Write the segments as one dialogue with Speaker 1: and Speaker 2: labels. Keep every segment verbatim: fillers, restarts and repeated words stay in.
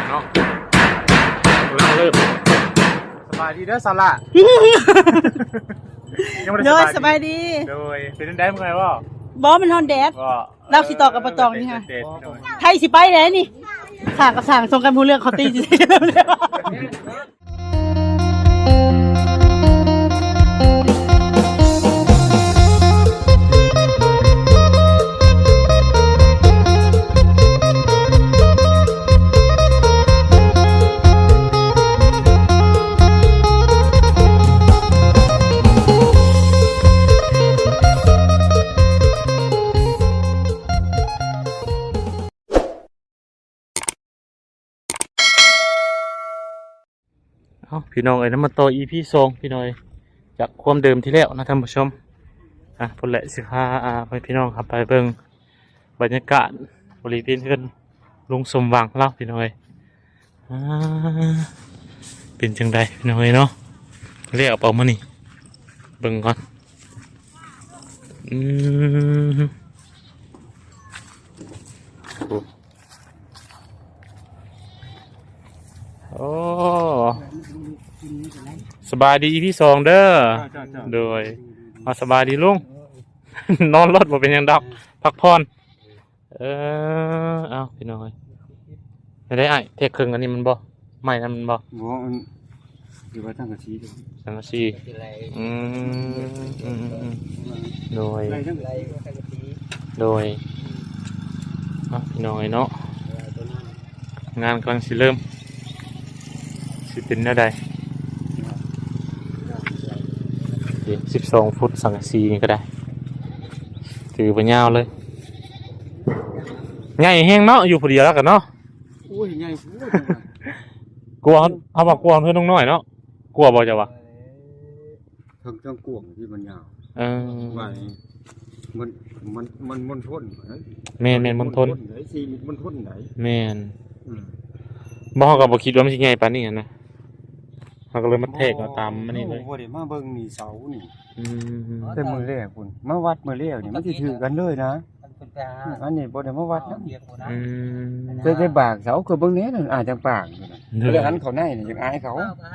Speaker 1: เนาะเราเริ่มสบายดีเด้อสาระ
Speaker 2: โดยสบายดี
Speaker 1: โดยเป็นได้เมื่อไงวะ
Speaker 2: บอมันฮอนแดดเราสิต่อกับปะตองนี่ค่ะไทยสิไปไหนนี่สั่งกับสั่งส่งกันพูดเรื่องเขาตีสิ
Speaker 1: เอาพี่น้องเอ้ยน้ำมันโตอีพี่ทรงพี่น้อยจากความเดิมที่แล้วนะท่านผู้ชมอ่ะพลเละสิค้าอ่าไปพี่น้องครับไปเบิ่งบรรยากาศบริเวณเพื่อนลุงสมหวังเล่าพี่น้อยอ่าเป็นจังใดพี่น้อยเนาะเรียกเอามานี่เบิ่งก่อนอืมโอ้สบายดีพี่สองเด้อโดยมาสบายดีลุง นอนรถบ่เป็นยังดอกพักผ่อนเออเอาพี่น้อยไม่ได้ไอ้เทคเครื่องอันนี้มันบ่ไม่นะมันบ่
Speaker 3: บ่มันอยู่ว่าตั้งกะชี
Speaker 1: สังกะสีอืมอืมโดยโดยเอาพี่น้อยเนาะงานกำลังสิเริ่มสิเป็นอะไรสิบสองฟุตสังกะสีนี่ก็ได้ถือไปยาวเลยใหญ่แห้งเนาะอยู่พอดีแล้วกันเนาะ
Speaker 3: โอ้ยใหญ่พูด
Speaker 1: กลัวเอาบอกกลัวเพื่อนน้องน้อยเนาะกลัวบ่จะวะ
Speaker 3: ทั้งทั้งกวงที่มันยาว
Speaker 1: เออ
Speaker 3: ว่ามันมันมันมันทน
Speaker 1: แม่นแม่นมันทน
Speaker 3: ไหนสีมันทนไหน
Speaker 1: แม่นบ่เขาก็บ่คิดว่ามันสิใหญ่ปานนี้นะเขาก็เลยมาเทกเอาตามมันนี่เลย
Speaker 3: โอ้โหเดี๋ยวมาเบิ่งนี่เสานี่
Speaker 1: อืม
Speaker 3: แต่มือแรกคุณมาวัดมือแรกนี่มันสิถือกันเลยนะอันนี้บ่ได้มาวัดนะ
Speaker 1: อืม
Speaker 3: แต่ได้บากเสาคือเบิ่งนี้นั่นอาจจะปากเรื่องอันเขาในนี่ยังอายเขา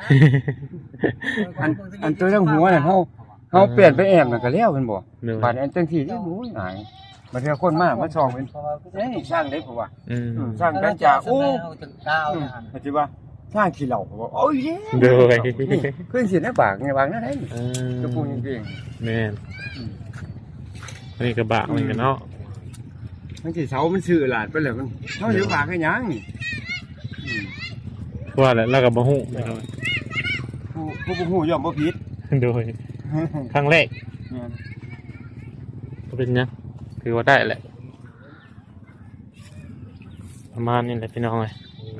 Speaker 3: อันอันตัวทั้งหัวน่ะเฮาเฮาเปลี่ยนไปแอบมันก็แล้วแม่นบ่บาดอันจังซี่นี่โอ้ยอายบาดเทื่อคนมามาส่องเป็นเอ้ยสร้างได้บ่ว่า
Speaker 1: อืม
Speaker 3: สร้างกันจากโอ้ปัจจุบันสร้างขี้เหล่าบ่โอ้ย
Speaker 1: เด้อ
Speaker 3: ขึ้นสิในปากไงบางนั่นได้
Speaker 1: เออ
Speaker 3: ก็พูดจริง
Speaker 1: ๆแม่นอันนี้ก็บากเหมือนกันเนาะ
Speaker 3: มันสิเสามันชื่อหลาดไปเลยมันเฮาอยู่ปากให้หยังนี่
Speaker 1: ว่าแล้วแล้วก็บ่ฮู้
Speaker 3: ผู้ผู้บ่ฮู้ย่อมบ่ผิด
Speaker 1: โดยครั้งแรกก็เป็นยังถือว่าได้แหละประมาณนี้แหละพี่น้องเลย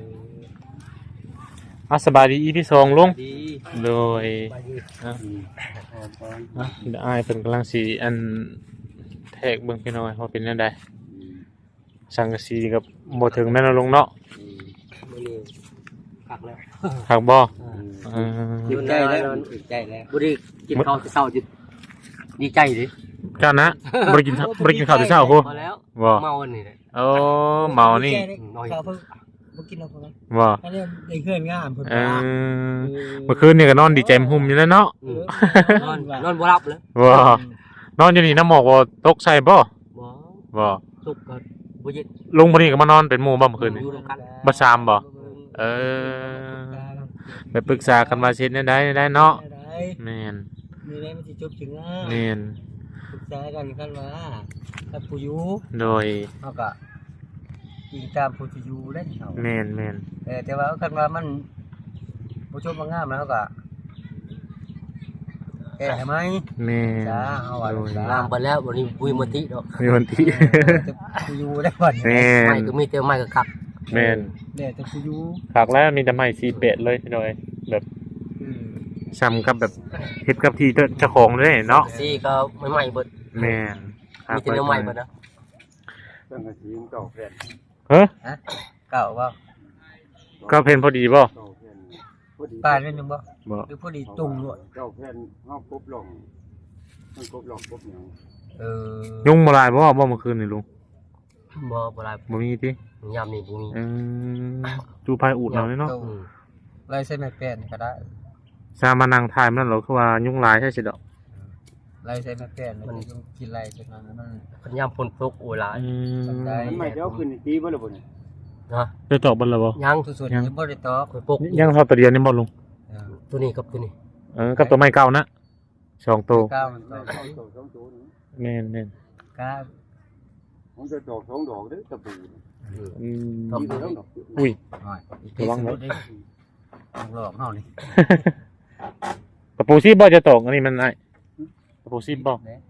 Speaker 1: อ่ะสบายดีอีพี่สองลุงโดยอ่ะอ่ะเดี๋ยวอ้ายเป็นกำลังสีอันแทกเบิ่งพี่น้องเขาเป็นยังไงสังกะสีกับโมถึงแม่นลุงเนาะ
Speaker 4: ผักแล้ว
Speaker 1: ผักบ่
Speaker 4: ดีใจแล้วดีใจแล้วบุรีกินข้าวเช้าจิดีใจดิ
Speaker 1: กันนะบริกินบริกินข้าวแต่เช้าโห
Speaker 4: พอแล้ว
Speaker 1: บ่
Speaker 4: เมาอันนี้เลย
Speaker 1: โอ้เมานี่
Speaker 2: บ่กินเอาพุ่น
Speaker 1: บ่
Speaker 2: อันนี้ได้เฮือนงามเพิ่น
Speaker 1: เออเมื่อคืนนี่ก็นอนดีใจหุ่มอยู่แล้วเนาะ
Speaker 4: นอนนอนบ่หลับเลย
Speaker 1: บ่นอนอยู่นี่น้ำหมอกบ่ตกใส่บ่
Speaker 4: บ่
Speaker 1: บ่
Speaker 4: ตกก็บ่เย็น
Speaker 1: ลุงพอดีก็มานอนเป็นหมู่บ่เมื่อคืนนี่บ่ซามบ่เออไปปรึกษากันว่าเฮ็ดได้ได้เนาะแม่น
Speaker 2: มีได้มันสิจบถึงอ่ะ
Speaker 1: แม่น
Speaker 2: ปรึกษากันกันว่าถ้าผู้อยู่
Speaker 1: โดย
Speaker 2: เฮาก็ยิงตามผู้ที่อยู่ได้เฮา
Speaker 1: แม่นแม่น
Speaker 2: เออแต่ว่าคันว่ามันบ่จบบ่งามแล้วเฮาก็แก้ให้มั้ย
Speaker 1: แม่น
Speaker 2: จ้าเฮาว่า
Speaker 4: งามไปแล้วบ่นี้บุยมติดอก
Speaker 1: มีมติ
Speaker 2: ผู้อยู่ได้บ่
Speaker 1: แม่น
Speaker 4: ไม่ก็มีแต่ไม้ก็คัก
Speaker 1: แม่น
Speaker 2: แล้วแต่ผู้อยู่
Speaker 1: คักแล้วมีแต่ไม้สี่เป็ดเลยพี่น้อยแบบซ้ำกับแบบเฮ็ดกับที่เจ้าของเลยเนาะ
Speaker 4: สี่ก็ไม่ใหม่เบิด
Speaker 1: แม่น
Speaker 4: มีแต่ใหม่เบิดนะ
Speaker 3: ตั้งแต่สีเก่าแผ่น
Speaker 1: เฮ้
Speaker 2: ฮะเก่าบ่
Speaker 1: ก็เพิ่นพอดีบ่
Speaker 2: ปานเพิ่นยังบ่บ่หรือพอดีตุ่มด้วย
Speaker 3: เก่าแผ่นเฮาปุ๊บลงมันปุ๊บลงปุ๊บหยัง
Speaker 2: เออ
Speaker 1: ยุงบ่หลายบ่บ่เมื่อคืนนี่ลุง
Speaker 4: บ่บ่หลาย
Speaker 1: บ่มีติ
Speaker 4: ยามนี้บ่มี
Speaker 1: อืมจูพายอูดเอาเลยเนาะ
Speaker 4: อืม
Speaker 5: ไล่เส้นไม่แป้นก็ได้
Speaker 1: ซามานั่งถ่ายมันนั่นเหรอคือว่ายุ่งหลายใช่สิดอก
Speaker 5: ไล่เส้นไม่แป้นมันต้องกินไรจนนั้นมัน
Speaker 4: คันยามฝนตกโอ้ยหลาย
Speaker 1: อืม
Speaker 5: ได้
Speaker 3: มันไม่เดี๋ยวขึ้นตีบ่ล่ะบ่นี่
Speaker 4: นะ
Speaker 1: ได้ตอบบ่ล่ะบ่
Speaker 4: ยัง
Speaker 5: สุดๆยังบ่ได้ตอบ
Speaker 4: คอยปก
Speaker 1: ยังเท่าตัวเดียวนี่บ่ลุง
Speaker 4: ตัวนี้กับตัวนี้
Speaker 1: เออกับตัวไม้เก่านะสองตัว
Speaker 5: ก้าวมันตอบ
Speaker 3: สองตัวสองตัวนี่
Speaker 1: แม่นแม่น
Speaker 5: ก้าว
Speaker 3: ผมจะดอกสองดอกเด้อตะปูนี่
Speaker 1: อืม
Speaker 4: ครับ
Speaker 3: มีแต่สองดอก
Speaker 1: อุ้ย
Speaker 5: หน่อย
Speaker 1: ระวังไว้
Speaker 5: หลอกเฮานี่
Speaker 1: กระปูซีบบ่จะตกอันนี้มันไอ้กระปูซีบบ่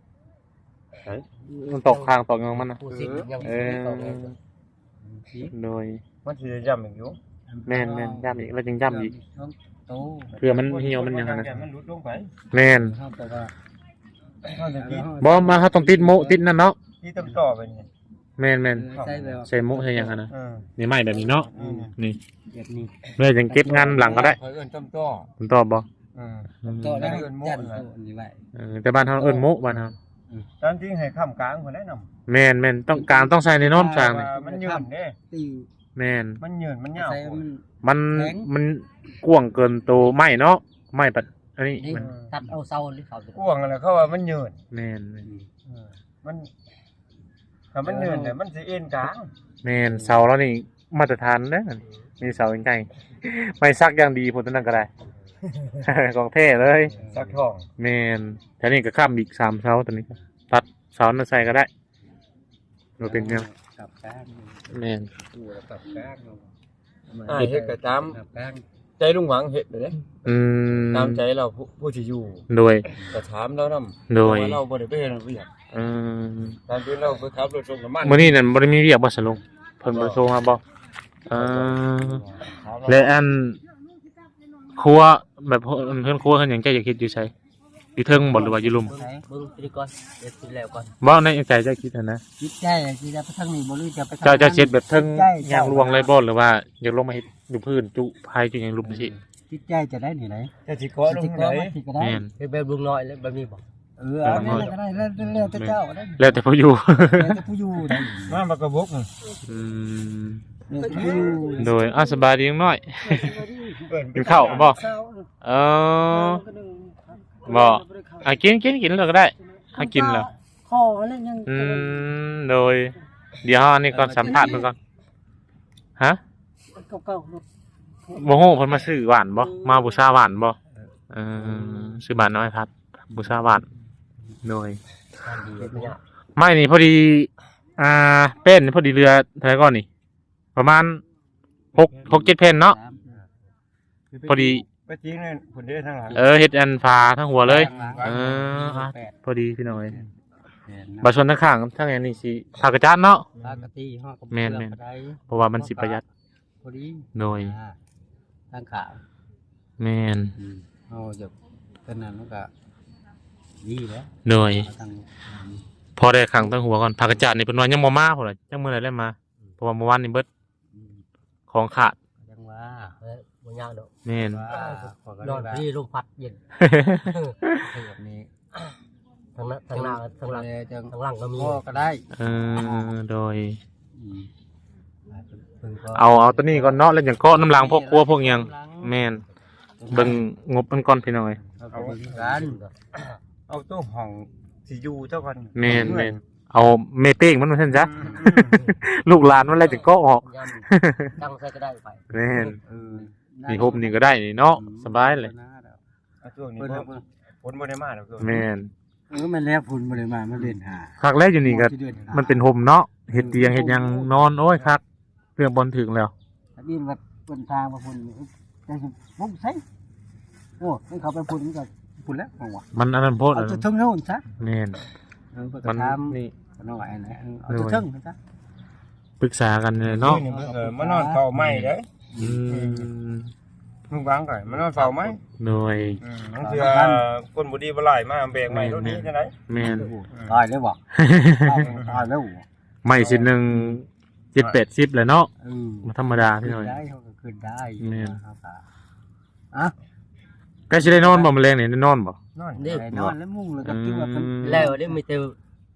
Speaker 1: มันตกข้างตกยังมันนะ
Speaker 4: ผู้สิยัง
Speaker 1: เอ
Speaker 4: บ่
Speaker 1: อ
Speaker 4: ได้
Speaker 1: โดย
Speaker 3: มันสิย่ำอีกอยู่
Speaker 1: แม่นแม่นย่ำอีกแล้วจึงย่ำอีก
Speaker 5: โต
Speaker 1: เพื่อมันเหี่ยวมันหยังอะนะ
Speaker 3: มันหลุดลงไป
Speaker 1: แม่น
Speaker 5: เฮาแต่ว่าเฮาจะกิน
Speaker 1: บ่มาเฮาต้องติดโมติดนั่นเนาะ
Speaker 3: ที่ต้องต่อไปนี่
Speaker 1: แม่นแม่น
Speaker 5: ใส่แบบ
Speaker 1: ใส่โมใส่หยังอะนะ
Speaker 3: เออ
Speaker 1: นี่ไม้แบบนี้เนาะ
Speaker 3: นี่
Speaker 1: นี่
Speaker 5: แบบนี้
Speaker 1: เมื่อจังเก็บงานหลังก็ได้
Speaker 3: เขาเอิ้นต้มต่อ
Speaker 1: ผมตอบบ่
Speaker 3: เออ
Speaker 5: โตแล้วยันโตนี่ไว้
Speaker 1: เออแต่บ้านเฮาเอิ้นโมบ้านเฮา
Speaker 3: ตามจริงให้ค้ำกลางคนแนะนำ
Speaker 1: แม่นแม่นต้องการต้องใส่ในโน้นสร้างนี่
Speaker 3: มันยืนเด้
Speaker 5: ตี
Speaker 1: แม่น
Speaker 3: มันยืนมันยาว
Speaker 5: ใส่มัน
Speaker 1: มัน
Speaker 5: แข็ง
Speaker 1: มันกว้างเกินตัวไม้เนาะไม้ปัดอันนี้
Speaker 5: นี่
Speaker 1: มัน
Speaker 4: ตัดเอาเสาหรือเสาตัว
Speaker 3: กว้างอะไรเขาว่ามันยืน
Speaker 1: แม่นแม่น
Speaker 3: เออมันถ้ามันยืนเนี่ยมันสิเอ็นกลาง
Speaker 1: แม่นเสาแล้วนี่มาตรฐานเด้อมีเสาใหญ่ๆไม่ซักอย่างดีพุ่นตัวนั้นก็ได้ ของเท่เลย
Speaker 3: สักทอง
Speaker 1: แม่นแถวนี้ก็ข้ามอีกสามเสาตัวนี้ก็ตัดเสานั้นใส่ก็ได้บ่เป็นหยัง
Speaker 5: กับก้าง
Speaker 1: แม่น
Speaker 5: ตัวกับก้าง
Speaker 3: อ่าเฮ็ดก็ตาม
Speaker 5: กับก้าง
Speaker 3: ใจลุงหวังเฮ็ดเด้
Speaker 1: อืม
Speaker 3: ตามใจเราผู้ผู้ที่อยู่
Speaker 1: โดย
Speaker 3: ก็ถามเรานำ
Speaker 1: โดย
Speaker 3: เราบ่ได้ไปเฮ็ดเวียก
Speaker 1: อืม
Speaker 3: ตามที่เราไปขับรถส่งน้ำมัน
Speaker 1: มื้อนี้นั่นบ่ได้มีเวียกบ่สะลงเพิ่นบ่โทรมาบ่เออและอันครัวแบบเพิ่นครัวเพิ่นหยังใจอยากเฮ็ดอยู่ไสอยู่เทิงบ่หรือว่าอยู่ลุ่ม
Speaker 4: เบิ่งเบิ่งไปดีก่อนเดี๋ยวสิแล้วก่อน
Speaker 1: บ่ในใจเจ้าคิดอะนะ
Speaker 5: จิตใจที่จะไปทางนี้บ่รู้จะไปทาง
Speaker 1: เจ้าเจ้าเช็ดแบบเทิง
Speaker 5: ใช่
Speaker 1: ยางรวงเลยบ่หรือว่าอยากลงมาเฮ็ดอยู่พื้นจุภายจุหยังลุมสิ
Speaker 5: จิตใจจะได้นี่ไหน
Speaker 3: จะสิเกาะลง
Speaker 5: จิต
Speaker 3: ไหน
Speaker 5: ใจที่ก็ได้
Speaker 1: แม่น
Speaker 4: เฮ็ดแบบลุงน้อยแล้วแบบนี้บ่
Speaker 5: เออเอาแม่นก็ได้แล้วแล้วแต่เจ้าได้
Speaker 1: แล้วแต่ผู้อยู่
Speaker 5: แล้วแต่ผู้อยู่ได้
Speaker 3: มาบักกระบก
Speaker 1: อืม
Speaker 5: แล้วแต่ผู้อยู่
Speaker 1: โดยอ่ะสบายดีน้อยกินข้าวบ่เออบ่อ่ะกินกินกินแล้วก็ได้อ่ะกินแล้ว
Speaker 2: คออะไรยัง
Speaker 1: อืมโดย เดี๋ยวอันนี้ก่อนสัมภาษณ์มันก่อนฮะ
Speaker 2: เก่า
Speaker 1: บ่ฮู้เพิ่นมาซื้อหวานบ่มาบูชาหวานบ่เออซื้อหวานน้อยพัดบูชาหวานโดย
Speaker 4: ทานดีแบบนี้
Speaker 1: ไม่นี่พอดีอ่าเป็นพอดีเรือเท่าไหร่ก่อนนี่ ประมาณหกหกเจ็ดแผ่นเนาะพอดี
Speaker 3: ไปทิ้งนั่นผลเด้อทางหลัง
Speaker 1: เออเฮ็ดอันฟ้าทั้งหัวเลย เอออ่ะพอดีพี่น้อยบัดชนทั้งข้างทั้งอันนี้สิทากระจานเนาะ
Speaker 5: ปกติฮอดกับ
Speaker 1: แม่นแม่น
Speaker 5: ได้
Speaker 1: เพราะว่ามันสิประหยัด
Speaker 5: พอดี
Speaker 1: โดย
Speaker 5: อ่าทางขา
Speaker 1: แม่น
Speaker 5: อืมเอาจากเป็นนั้นมันก็ดีแล้ว
Speaker 1: โดย
Speaker 5: ทาง
Speaker 1: พอได้ขังทั้งหัวก่อนทากระจานนี่เพิ่นว่ายังบ่มาพุ่นล่ะจังมื้อไหนได้มาเพราะว่าเมื่อวานนี่เบิด
Speaker 5: อืม
Speaker 1: ของขาด
Speaker 5: ยังว่า
Speaker 4: เฮ้ยบ่ยากดอก
Speaker 1: แม่น
Speaker 5: ว่าขอกัน
Speaker 4: นอน
Speaker 5: ได้
Speaker 4: ที่ลมพัดเย็น
Speaker 5: แบบนี้
Speaker 4: ทางนั้นทางหน้าทางหลัง
Speaker 5: เลยจัง
Speaker 4: ทางหลังก็มี
Speaker 5: พ่อก็ได้
Speaker 1: เออโดย
Speaker 5: อืมเพิ่นก็
Speaker 1: เอาเอาตัวนี้ก่อนเนาะแล้วอย่างเกาะน้ำลางพวกครัวพวกหยังแม่นเบิ่งงบมันก่อนพี่น้อย
Speaker 5: เอาไปเบิ่งกัน
Speaker 3: เอาตู้ห้องสิอยู่เจ้ากัน
Speaker 1: แม่นแม่นเอาเมเป้งมันมาซั่นจ้ะ ลูกหลานมันอะไรจะเกาะออก
Speaker 4: ย่ำตั้งใส่ก็ได้ไป
Speaker 1: แม่น
Speaker 5: เออ
Speaker 1: นี่ฮบนี่ก็ได้นี่เนาะสบายเลย
Speaker 3: เอาช่วงนี้
Speaker 5: เพิ่น
Speaker 3: บ่
Speaker 5: เอาเพิ่น
Speaker 3: ฝนบ่ได้มาดอกช่วง
Speaker 1: แม่น
Speaker 5: เออมันแล้วพุ่นบ่ได้มามันเล่นหา
Speaker 1: คักแรกอยู่นี่ก็
Speaker 5: ที่ดือหา
Speaker 1: มันเป็นโฮมเนาะเฮ็ดเตียงเฮ็ดหยังนอนโอ้ยคักเรื่องบอลถึงแล้ว
Speaker 5: อันนี้ว่าเพิ่นทางมาพุ่นจังสิบ่ใช่โอ้มันเข้าไปพุ่นมันก็พุ่นแล้วของว่า
Speaker 1: มันอันนั้นโพด
Speaker 5: เอา
Speaker 1: อัน
Speaker 5: จะ
Speaker 1: นั้น
Speaker 5: ถึงโน่นซะ
Speaker 1: แม่น
Speaker 5: เออเพิ่น
Speaker 1: มั
Speaker 5: ก็
Speaker 1: น
Speaker 5: ถาม
Speaker 1: นี่
Speaker 5: น้องไหวนะเอาจะถึงซะ
Speaker 1: ปรึกษากันเลยเนาะ
Speaker 3: นี่มันก็มานอนเฝ้าไม้เด้อ
Speaker 1: อืม
Speaker 3: มึงวางก่อนมานอนเฝ้าไม้
Speaker 1: หน่วย
Speaker 3: อืมมันคือคนบ่ดีบ่หลายมาแบกไม้รถนี้จังได๋
Speaker 1: แม่น
Speaker 5: ตายแล้วบ่ตายแล้ว
Speaker 1: ไม่สิหนึ่งเจ็ดแปดสิบเลยเนาะ
Speaker 5: เออ
Speaker 1: มาธรรมดาพี่หน่อย
Speaker 5: ได้เขาก็ขึ้นได้
Speaker 1: แม่น
Speaker 5: ครับอ่ะ
Speaker 1: ใกล้สิได้นอนบ่แมลงนี่ได้นอนบ่
Speaker 3: นอน
Speaker 4: นี่
Speaker 5: นอนแล้วมุ่งแล้วก็คิดว่าเป็น
Speaker 4: แล้วนี่มีแต่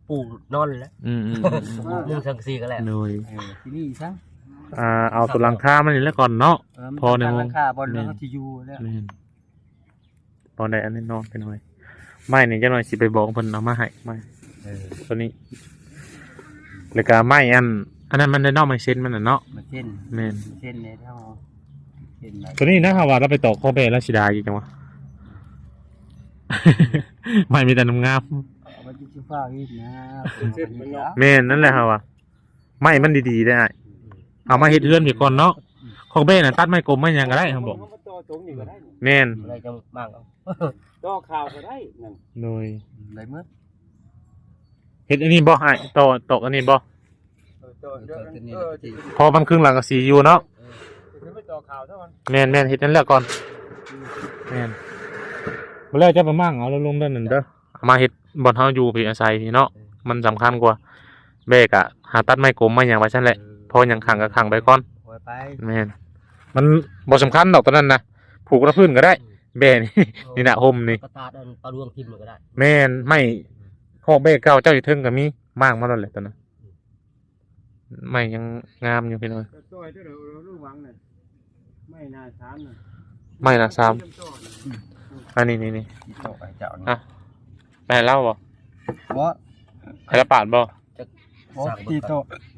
Speaker 4: ปูนอนแล้ว
Speaker 1: อืมอืม
Speaker 4: มุงสังกะสีก็แล้ว
Speaker 1: โดย
Speaker 5: เออที่นี่ซะ
Speaker 1: อ่าเอาตัวหลังคามันนี่แล้วก่อนเนาะ
Speaker 5: เออมัน
Speaker 1: พอใน
Speaker 5: ตั้ง
Speaker 1: ห้อง
Speaker 5: ราคาบอลแล้วเขาที่อยู่แล้ว
Speaker 1: แม่นพอได้อันนี้นอนไปหน่อยไม่นี่จังหน่อยสิไปบอกเพิ่นเอามาให้ไม่
Speaker 5: เออ
Speaker 1: ตัวนี้แล้วก็ไม่อันอันนั้นมันได้นอกไม่เส้นมันน่ะเนาะ
Speaker 5: มาเช่น
Speaker 1: แม่น
Speaker 5: เช่นในเท่าเช่นไหน
Speaker 1: ตัวนี้นะครับว่าเราไปต่อข้อเบแล้วสิดาอีกจังวะ ไม่มีแต่น้ำงาม
Speaker 5: เอาไปจิ้มฟ้าอีกนะ
Speaker 1: แม่นนั่นแหละครับว่าไม่มันดีๆได้อ้ายเอามาเฮ็ดเรือนไปก่อนเนาะข้อเบน่ะตัดไม้กลมไม้หยังก็ได้ครับบอกแม่น
Speaker 4: อะไรจะมากเอา
Speaker 5: ต่อข่าวก็ได้นั่น
Speaker 1: โดย
Speaker 5: ไรเมื่อ
Speaker 1: เฮ็ดอันนี้บ่อ้ายต่อตอกอันนี้บ่
Speaker 5: ต่อเดี๋ยวเออที่
Speaker 1: พอมันครึ่งหลังก็สีอยู่เนาะ
Speaker 5: คือไม่ต่อข่าวเท่านั้น
Speaker 1: แม่นแม่นเฮ็ดนั่นแหละก่อนแม่นบ่แล้วจะไปมั่งเอาลงด้านนั้นเด้อเอามาเฮ็ดบ่อนเฮาอยู่พี่อาศัยพี่เนาะมันสำคัญกว่าแบกอะหาตัดไม้กลมไม้หยังไว้ซั่นแหละพอหยังขังก็ขังไปก่อน
Speaker 5: ปล่อยไป
Speaker 1: แม่นมันบ่สำคัญดอกตอนนั้นนะผูกกับพื้นก็ได้แบนี่ นี่น่ะห่มนี่
Speaker 4: กระตาดอันปลาดวงทิ่มมันก็ได้
Speaker 1: แม่นไม่คอกเบเก่าเจ้าอยู่เทิงก็มีมากมาแล้วแหละตอนนั้นไม่ยังงามอยู่พี่น้อย
Speaker 5: ต่อยที่เราลูกหวังน่ะไม่น่าช้านน่ะ
Speaker 1: ไม่นะซ้ำอันนี้นี่นี่
Speaker 5: ต่อไปเจ้า
Speaker 1: อ่ะไปเล่าบ่
Speaker 5: เพราะ
Speaker 1: ไปละปาดบ่
Speaker 5: เพราะตีโต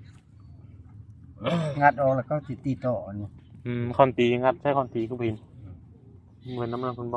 Speaker 5: งัดออกแล้วก็ติดตีโตนี่
Speaker 1: อืมคอนตีงัดใช่คอนตีก็บินเหมือนน้ำมันคุณบ่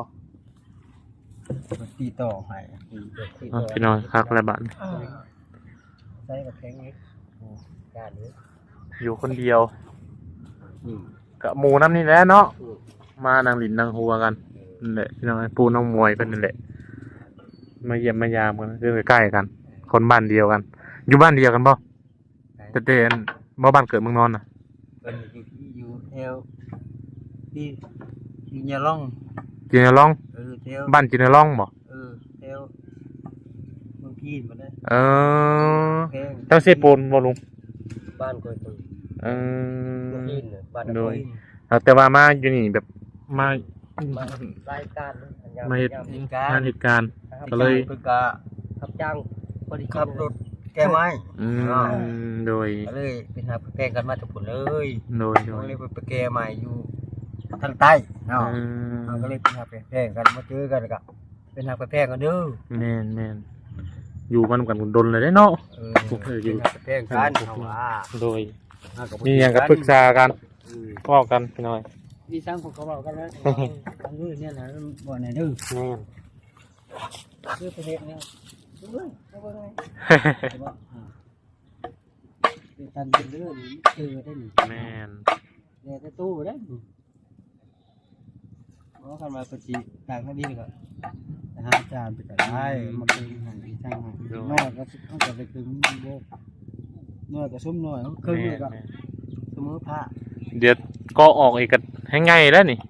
Speaker 5: ตีโตให้
Speaker 1: อ่ะพี่น้อยคักอะไรบ้าน
Speaker 5: ใส่กับแข็งนี้
Speaker 4: การนี้
Speaker 1: อยู่คนเดียวกับหมูน้ำนี่แหละเนาะมานางหลินนางหัวกันนั่นแหละพี่น้องปูน้องมวยเป็นนั่นแหละมาเยี่ยมมายามกันคือใกล้ๆกัน คนบ้านเดียวกัน อยู่บ้านเดียวกันบ่แต่เต้นบ่บ้านเกิดเมืองนอนน่ะ
Speaker 5: เป็นอยู่ที่อยู่แถวที่ที่ยาล่อง
Speaker 1: จีนร้อง
Speaker 5: เออแถว
Speaker 1: บ้านจีนร้องบ่
Speaker 5: เออแถวเมืองพีนมาได้
Speaker 1: เออ
Speaker 5: แพง
Speaker 1: เจ้าเสปูนบ่ลุง
Speaker 4: บ้านก็ตึง
Speaker 1: เออ
Speaker 4: ยินบ้าน
Speaker 1: โดยแต่ว่ามาอยู่นี่แบบมาร
Speaker 4: ายการ
Speaker 1: มาเฮ็ด
Speaker 5: เหตุการ
Speaker 1: งาน
Speaker 5: ณ์
Speaker 1: เหตุการณ์ ก็เลย
Speaker 5: เพิ่นก็
Speaker 4: ขับจ้างพอดี
Speaker 5: ขับรถแก้ไม้
Speaker 1: อืมโดย
Speaker 5: ก็เลยเป็นหาแพงกันมาจากผลเลย
Speaker 1: โดยโด
Speaker 5: ก็
Speaker 1: ย
Speaker 5: เลยไปแก้ไม้อยู่ทางใต้เนาะ
Speaker 1: อืม
Speaker 5: เราก็เลยเป็นหาแพงกันมาเจอกันก็เป็นหาแพงกันเด้อ
Speaker 1: แม่นแม่นอยู่มันกันดนเลยได้เนาะ
Speaker 5: เออ
Speaker 1: พวกเธออยู่
Speaker 5: เป็นหาแพงกันเอาว่า
Speaker 1: โดย
Speaker 5: เฮาก็บ่
Speaker 1: มีอย่างกับปรึกษากัน
Speaker 5: เออ
Speaker 1: ก็กันพี่น้อย
Speaker 5: มีสร้างของเขาเว้ากันแล้วอันนี้เนี่ยนะบ่ไหนเด้อ
Speaker 1: แม่น
Speaker 5: คือประเทศเนี่ยดูเลยเอาบ่ได้แต่ว่าอ่าเป็นตันเป็นเรื่องนี้เจอได้นี่
Speaker 1: แม่น
Speaker 5: แน่แต่ตู้บ่ได้นี่เพราะคันมาปฏิต่างกันดีก็แต่หาอาจารย์ไปก็ได้มาเป็นให้ทางให้น้อยก็สิเขาก็ไปถึงบ่น้อยก็ซุ่มน้อยเขาครึ่ง
Speaker 1: แม่
Speaker 5: เลย
Speaker 1: น
Speaker 5: ก็
Speaker 1: แม่น
Speaker 5: เสมอผ้า
Speaker 1: เดี๋ยวก็ออกอีกกันให้ง่ายแล้วนี่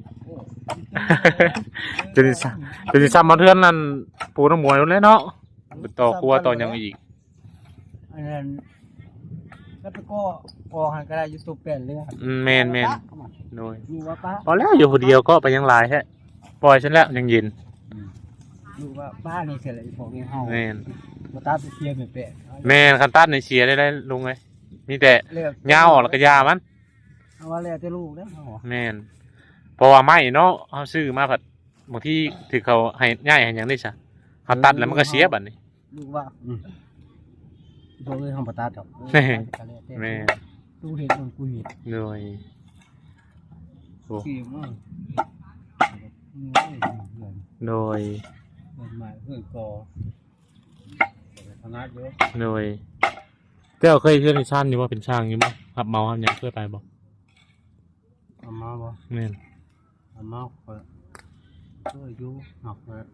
Speaker 1: จะได้ซ้ำจะได้ซ้ำมาเทือนนั่นปูน้ำมวยแล้วเนาะไปต่อครัวต่อหยังอีก
Speaker 5: อันนั้นแล้วไปก็พอหันก็ได้อยู่ตัวแป้นเลยครับ
Speaker 1: อืมแม่นแม่นโดย
Speaker 5: อยู่ว่าป้า
Speaker 1: พอแล้วอยู่คนเดียวก็ไปยังหลายแฮะปล่อยฉันแล้วยังเย็น
Speaker 5: อยู่ว่าป้านี่เสร็จแล้วพวกนี้เฮา
Speaker 1: แม่น
Speaker 5: บ่ตาไปเชียร์ไม่แปะ
Speaker 1: แม่นคันตัดในเชียร์ได้ได้ลุงไงมีแต่
Speaker 5: เลือก
Speaker 1: ยาวออกแล้วก็ยามัน
Speaker 5: เอาว่าแล้วแต่ลูกเด้อเฮา
Speaker 1: แม่นเพราะว่าไม้เนาะเฮาซื้อมาผัดบางทีถือเขาให้ง่ายให้หยังได้ซะเฮาตัดแล้วมันก็เสียบัดนี้
Speaker 5: ลูกว่าอืมพวกนี้เฮาบ่ตัดดอก
Speaker 1: แม่ แม่น
Speaker 5: ตู้เห็ดมันกูเห็ด
Speaker 1: โดยโอ้
Speaker 5: ขี้มัน
Speaker 1: โดย
Speaker 5: มันมาเพื่อกอทำงานเยอะ
Speaker 1: โดยเจ้าเคยเชื่อในช่างอยู่ว่าเป็นช่างอยู่บ่ครับเมาครับยังเคยไปบ่
Speaker 5: เอามาบ่
Speaker 1: แม่น
Speaker 5: เอามาก็ช่วยอยู่หนักเลย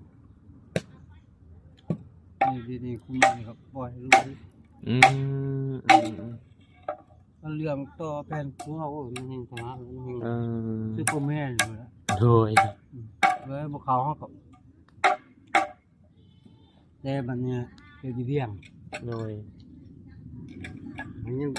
Speaker 5: นี่นี่คุณนี่ครับปล่อยให้ลูก
Speaker 1: อืมอืมอืม
Speaker 5: มันเรื่องต่อแผ่นผัวโอ้ยมันเห็นทางมันเห็น
Speaker 1: เออ
Speaker 5: คือพ่อแม่อยู่แล้ว
Speaker 1: โดย
Speaker 5: เลยบ่เขาเฮาก็แต่บัดเนี้ยเดี๋ยวสิเลี้ยง
Speaker 1: โดย
Speaker 5: มันยัง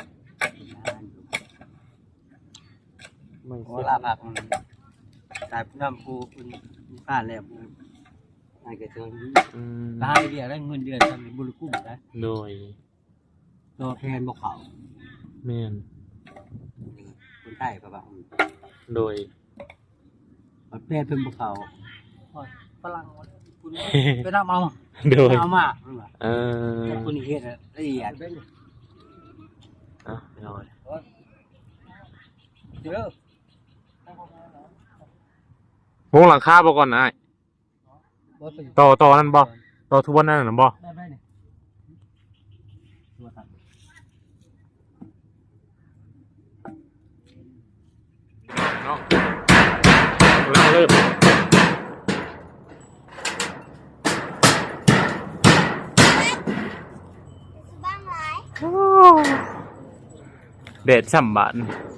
Speaker 1: ไม่
Speaker 5: โอลาผักมันตายน้ำปูคุณป้าแล้วปู
Speaker 4: ให้กระจน
Speaker 1: อืม
Speaker 4: ตายเดียวได้เงินเดือนทำบุญกุ้มได้
Speaker 1: โดย
Speaker 4: ตัวแทนบ่เขา
Speaker 1: แม่น
Speaker 4: คนใต้ก็บ่
Speaker 1: โดย
Speaker 4: ประเภทเพิ่นบ่เขาฝรั่งไปนำเอา
Speaker 1: โดย
Speaker 4: เอามา
Speaker 1: เออ
Speaker 4: คนนี้เฮ็ดละเอียด
Speaker 1: อ่ะโดย
Speaker 4: เด้อ
Speaker 1: วงหลังคาบ่ก่อนนะอ้าย
Speaker 4: บ่เป็น
Speaker 1: ต่อต่อนั่นบ่ต่อทุบนั่นน่ะบ่
Speaker 4: ได้ไหมนี่ตัวตัด
Speaker 1: เนาะแล้วเริ่มเด็ดสัมบัน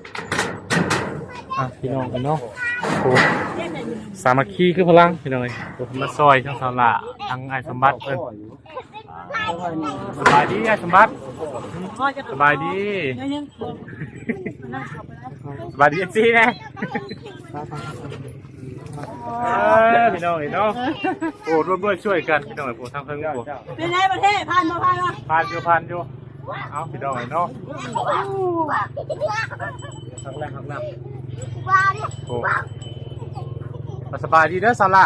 Speaker 1: อ่ะพี่น้องกันเนาะโอ้สามัคคีคือพลังพี่น้องเอ้ยโอ้มาซอยทั้งสาวละทั้งไอ้สมบัติเพิ่นสบายดีไอ้สมบัติสบายดี
Speaker 2: ยังๆนั่งขับไปแล้ว
Speaker 1: สบายดีเอฟซีนะเออพี่น้องเนาะโอ้ร่วมด้วยช่วยกันพี่น้องไอ้พวกทางเพิ่งพวก
Speaker 2: เป็นไงประเทศผ่านมาผ่านมา
Speaker 1: ผ่านอยู่ผ่านอยู่เอาพี่น้องเนาะครั้งแรกครั้งแรกโอ้สบายดีเด้อสาระ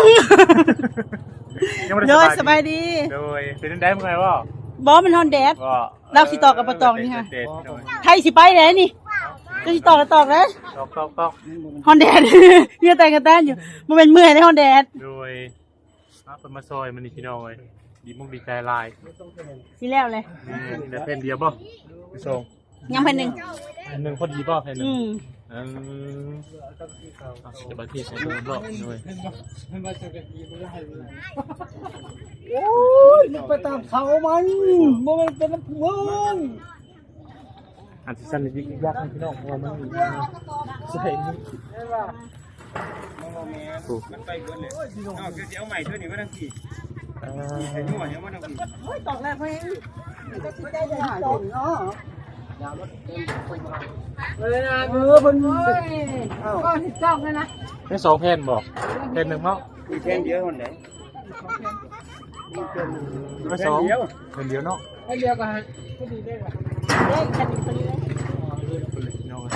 Speaker 1: ยังไม่
Speaker 2: โด
Speaker 1: ได้
Speaker 2: ยสบายดี
Speaker 1: โดยเป็นได้เมื่อไงวะ
Speaker 2: บอมันฮอนแดด
Speaker 1: ก็
Speaker 2: เราสิต่อกับปะตองนี่ค่ะ
Speaker 1: เด็ดโดย
Speaker 2: ไทยสิไปไหนนี่จะสิต่อกับตอกเลย
Speaker 1: ตอกตอกตอก
Speaker 2: ฮอนแดด เยื่อแต่งกันแต้นอยู่มันเป็นเมื่อยในฮอนแดด
Speaker 1: โดยมาเป็นมาซอยมันนี่พี่น้องเลยดีมุกดีใจลาย
Speaker 2: สิแล้วเลย
Speaker 1: นี่แต่เป็นเดียวบ่พี่ส่ง
Speaker 2: ยังเป็นหนึ่ง
Speaker 1: หนึ่งพอดีบ่แค่หนึ่ง
Speaker 2: อืม
Speaker 1: อืมเดี๋ยวบางทีใช้ตัวรอบด้วย
Speaker 5: โอ้ยมันไปตามเขามันบ่มันเป็นน้ำพุง
Speaker 1: อันที่สั้นนิดยากให้พี่น้องเพราะว่ามันมีใส่นี่ถูก
Speaker 3: มันไปเบิดเลยเอาคือสิเอาใหม่เท่านี้มาทั้งทีใส่หัวเนี่ยมาทั้งที
Speaker 2: ตอกแล้วเพื่อน
Speaker 5: เออมัน
Speaker 2: ก็สิจ้องเลยนะ
Speaker 1: แค่สองแผ่นบอกแผ่นหนึ่งเนาะ
Speaker 3: มีแค่เดียวคนไหน
Speaker 1: แค่สองแผ่นเดียวเนาะ
Speaker 2: เดี๋ยวกันเฮ้ยฉันคนนี้เลย
Speaker 1: พี่น้อง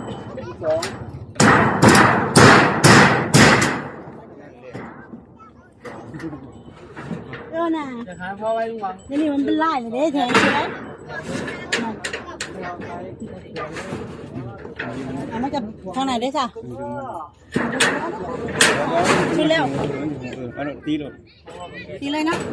Speaker 2: เออน่ะ
Speaker 5: จะหาพ่อไว้ลุงหวัง
Speaker 2: นี่นี่มันเป็นลายเลยเด้แทนใช่ไหมเอามาจากทางไหนได้จ้ะขึ้นแล้ว
Speaker 3: เออตีรถ
Speaker 2: ทีเลยนะ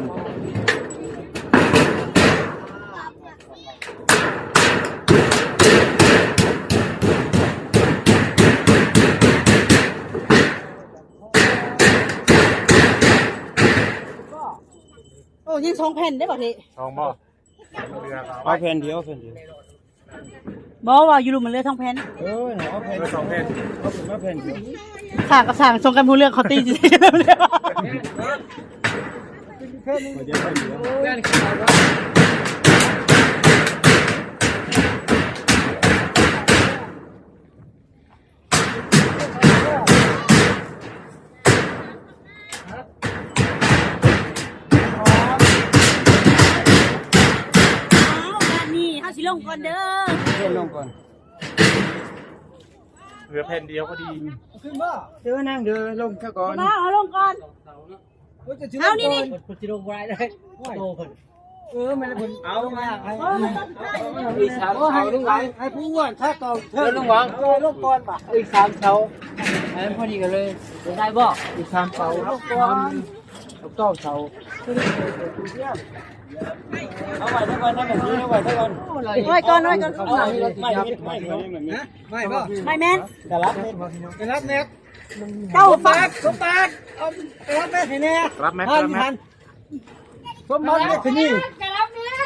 Speaker 2: โอ้ยังสองแผ่นได้ป่ะพี่
Speaker 1: สองบ่เรือ
Speaker 3: เอาแผ่นเดียวแผ่นเดียว
Speaker 2: บอกว่าอยู่รูมันเลือท้องแผ่น
Speaker 3: เออเอาแผ่น
Speaker 1: สองแผ่น
Speaker 3: เอาเป็นว่าแผ่นเดียว
Speaker 2: สั่งกับสั่งทรงกันพูเรื่องเขาตีจริงๆเลย
Speaker 3: เดี๋ยวแผ่นเดียว
Speaker 2: นี่เขาสิลงก่อนเด้อ
Speaker 3: เพิ่มลงก่อน
Speaker 1: เรือแผ่นเดียวก็ดี
Speaker 5: ขึ้นมา
Speaker 3: เดี๋ยวนั่งเดี๋ยวลงซะก่อน
Speaker 2: มาเอาลงก่อน เอานี่นี่
Speaker 4: คนสิลงบ่ได้เลยโตเพิ่น
Speaker 5: เออมันเป็น
Speaker 3: เอามา
Speaker 5: ให้
Speaker 4: อีกสามเสาลุงหวัง
Speaker 5: ให้ผู้ว่าถ้าต่อ
Speaker 4: เออลุงหวัง
Speaker 5: เออลงก่อนป่ะ
Speaker 4: อีกสามเสาอันนั้นพอดีกันเลยได้บ่
Speaker 5: อีกสามเสาลงก่อนเก้าเสา
Speaker 3: เอาไว้ทั้งวันทั้งแบบนี้เอาไว้ทั้งวัน
Speaker 2: ไว้ก่อนไว้ก่อน
Speaker 3: ไม่ไม่ไม่ไม่
Speaker 5: ไม่ป่ะ
Speaker 2: ไม่แม่น
Speaker 3: จะรับเม็ด
Speaker 5: ไปรับเน็ต
Speaker 2: เจ้าฟัก
Speaker 5: สมบัติเอาไปรับเน็ตให้แน่
Speaker 1: รับไหม
Speaker 5: ทั
Speaker 1: รั
Speaker 5: น
Speaker 1: บไหม
Speaker 5: ทันสมบัติเน็ตที่นี่
Speaker 2: จะรับเนื้อ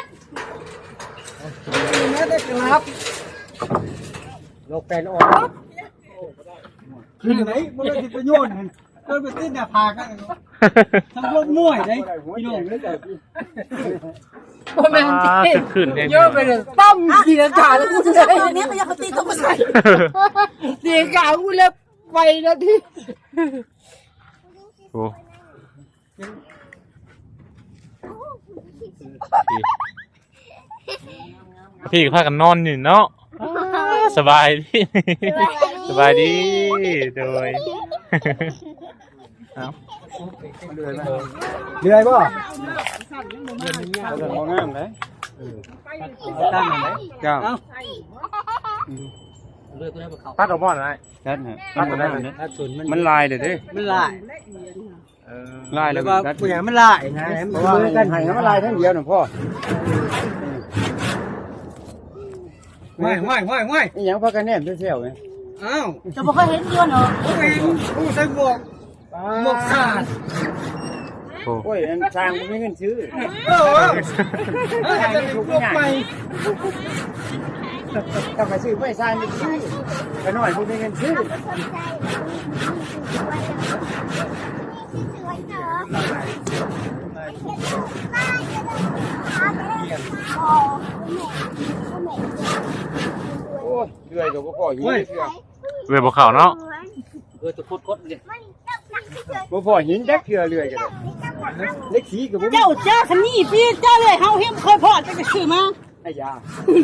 Speaker 5: แม่ได้กรับ
Speaker 4: โลกแปลนออก
Speaker 5: คือไหนมันเลยประโยชน์มันเออไปติ้นหน้าผากกันทำรถม่วยได้พี่น้องเลย
Speaker 2: โมเมนต์
Speaker 1: อ่าจะขึ้นเอง
Speaker 4: เยอะไปเลยตั้มสีลังกาแล้วกู
Speaker 2: จะ
Speaker 4: จะ
Speaker 2: ใส่
Speaker 4: ได้
Speaker 2: ตรงนี้เขาอยากตีต้องมาใส่
Speaker 4: สีลังกากูเลยไปแล้วที่
Speaker 1: โอ้พี่ก็พากันนอนอยู่เนาะสบายดีสบายดีโดยเอา
Speaker 3: เรื่อยไหม
Speaker 5: เรื่อยบ่
Speaker 3: เรื่องงามเลย
Speaker 5: ตั้งไหน
Speaker 3: เจ้า
Speaker 4: เลือกตัวได้บ่เขา
Speaker 1: ตัดออกมาหน่อย
Speaker 3: ชัดฮะมันงามเลย
Speaker 5: ถ้าส่วนมัน
Speaker 3: มันลายเด้อเด้
Speaker 5: มันลาย
Speaker 1: เออ
Speaker 3: ลาย
Speaker 5: แล้
Speaker 3: แล้ว ว
Speaker 5: ก็
Speaker 3: ก็
Speaker 5: เปลือกมันลายนะ
Speaker 3: เพราะว่าให้มันลายทั้งเดียวน่ะพ่อ
Speaker 5: ไม่ไม่ไม่ไม่
Speaker 3: อีหยังพากันแนมเที่ยวๆไง
Speaker 5: อ้าว
Speaker 2: จะบ่เคยเห็นเดือนเหรอ
Speaker 5: ผู้เองผู้ใส่หมวกหมวกขาด
Speaker 3: โอ้ยอันสร้างบ่มีเงินซื้อ
Speaker 5: เออเออจะหมวกใหม่
Speaker 3: ต้องไปซื้อไปสร้างนี่ซื้อไปหน่อยบ่มีเงินซื้อ โอ้ยเรื่อยก็บ่พอหินเทื่อ
Speaker 1: เว็บบ่เข้าเนาะ
Speaker 4: เออจะโคตรๆเลย
Speaker 3: บ่พอหินจักเทื่อเรื่อยก็ได้เล็กสีก็บ่มี
Speaker 2: เจ้าเจ้าคันนี้พี่เจ้าเลยเฮาเฮ็ดเคยพอจะไปซื้อมา
Speaker 3: ไอ้ยา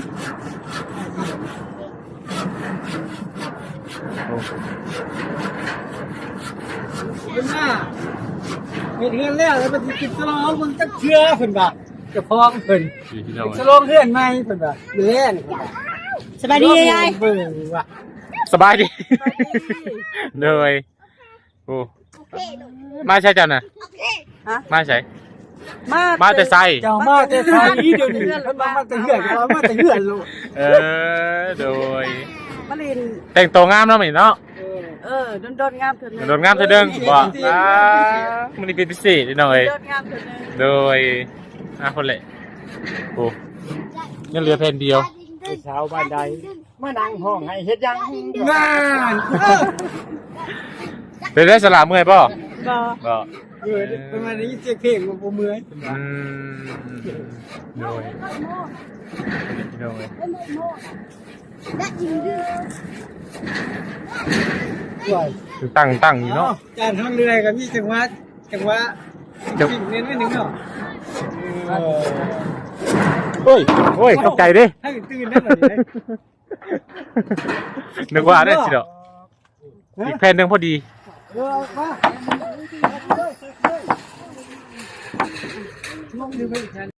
Speaker 5: เป็นหน้าเห็นเงินแล้วแล้วมันติดสลองมันจะเชื่อเพิ่นบ่จะพองเพิ่น
Speaker 1: พี่น้อง
Speaker 5: สลองเพื่อนใหม่เพิ่นบ่เล่น
Speaker 2: สบายดียาย
Speaker 5: เบิ่งว่ะ
Speaker 1: สบายดีเลยโอ้มาใช่จันน่ะมาใช่
Speaker 2: มา
Speaker 1: มาแต่ไซ
Speaker 5: เจ้ามาแต่ไทยเดี๋ยวนี้เพิ่นมาแต่เหือนเรามาแต่เหือนลูก
Speaker 1: เออโดย
Speaker 2: มาลิน
Speaker 1: แต่งตัวงามเนาะมื้อนี้เนาะ
Speaker 2: เออโดนๆงามเถิด
Speaker 1: โดนงามเธอเด้งบ่อ่ามื้อนี้เป็นพิเศษนิดหน่อย
Speaker 2: โดนงามเถิด
Speaker 1: โดยอ่ะคนละโอ้ยังเหลือแผ่นเดียว
Speaker 3: ผู้สาวบ้านใดมานั่งห้องให้เฮ็ดหยัง
Speaker 5: งาน
Speaker 1: เป็นได้สลาเมื่อยป่ะ
Speaker 2: บ่
Speaker 1: บ่
Speaker 5: เออประมาณนี้เสียงเพลงมันบ่เมื่อย
Speaker 1: อืมโดยโดย
Speaker 5: ด้วย
Speaker 1: ตั้งตั้งอยู่เนาะ
Speaker 5: การทำเรือกับมีจังหวะจังหวะสิ่งเน้นไว้หนึ่งเนาะเออ
Speaker 1: โอ้ยโอ้ยตกใจดิ
Speaker 5: ให้ตื่นได้หน่อยดิ
Speaker 1: นึกว่าได้สิเนาะอีกแผ่นหนึงพอดี
Speaker 5: เออมาลงดูไปอีก